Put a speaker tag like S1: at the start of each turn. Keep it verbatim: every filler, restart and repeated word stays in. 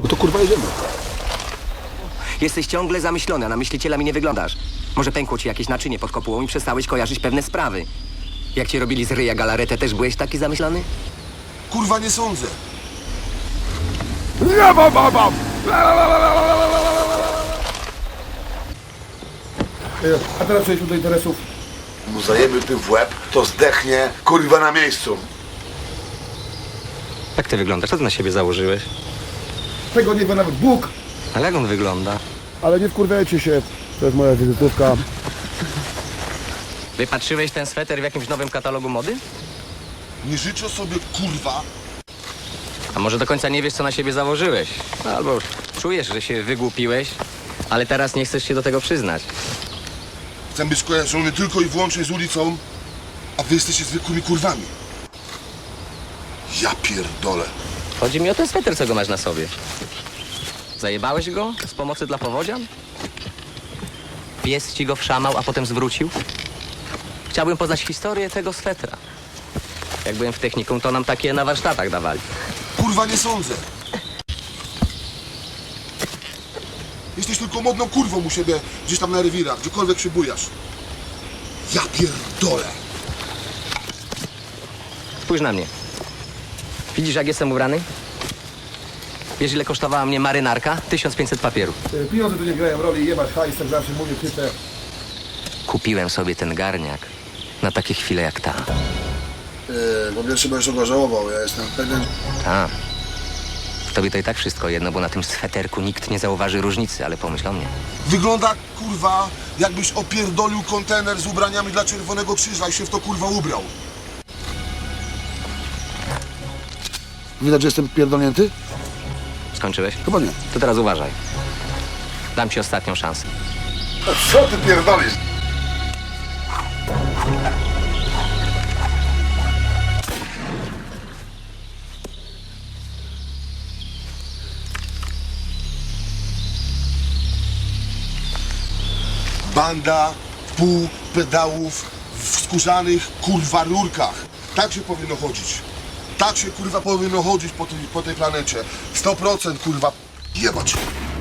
S1: No to kurwa jedziemy.
S2: Jesteś ciągle zamyślony, a na myśliciela mi nie wyglądasz. Może pękło ci jakieś naczynie pod kopułą i przestałeś kojarzyć pewne sprawy. Jak ci robili z ryja galaretę, też byłeś taki zamyślony?
S1: Kurwa nie sądzę.
S3: A teraz przejdźmy do interesów.
S1: Mu zajemy tym w łeb, to zdechnie kurwa na miejscu.
S2: Jak ty wyglądasz? Co ty na siebie założyłeś?
S3: Tego nie wie nawet Bóg,
S2: Ale jak on wygląda?
S3: ale nie wkurwiajcie się. To jest moja wizytówka.
S2: Wypatrzyłeś ten sweter w jakimś nowym katalogu mody?
S1: Nie życzę sobie kurwa.
S2: A może do końca nie wiesz, co na siebie założyłeś? Albo czujesz, że się wygłupiłeś, ale teraz nie chcesz się do tego przyznać.
S1: Chcę być kojarzony tylko i wyłącznie z ulicą, a wy jesteście zwykłymi kurwami. Ja pierdolę.
S2: Chodzi mi o ten sweter, co go masz na sobie. Zajebałeś go z pomocy dla powodzian? Pies ci go wszamał, a potem zwrócił? Chciałbym poznać historię tego swetra. Jak byłem w technikum, to nam takie na warsztatach dawali.
S1: Kurwa nie sądzę. Jesteś tylko modną kurwą u siebie, gdzieś tam na rewirach, gdziekolwiek się bujasz. Ja pierdolę.
S2: Spójrz na mnie. Widzisz, jak jestem ubrany? Wiesz, ile kosztowała mnie marynarka? tysiąc pięćset papierów.
S3: E, Pieniądze tu nie grają roli, jebać hajs, tak zawsze mówię, typę.
S2: Kupiłem sobie ten garniak na takie chwile jak ta.
S1: Yy, po pierwsze będziesz go żałował, ja jestem pewien.
S2: A. Tobie to i tak wszystko jedno, bo na tym sweterku nikt nie zauważy różnicy, ale pomyśl o mnie.
S1: Wygląda kurwa, jakbyś opierdolił kontener z ubraniami dla Czerwonego Krzyża i się w to kurwa ubrał. Widać, że jestem pierdolnięty?
S2: Skończyłeś?
S1: Chyba nie.
S2: To teraz uważaj. Dam ci ostatnią szansę.
S1: Co ty pierdolisz? Banda pół pedałów w skórzanych kurwa rurkach. Tak się powinno chodzić. Tak się kurwa powinno chodzić po tej, po tej planecie. sto procent kurwa jebać.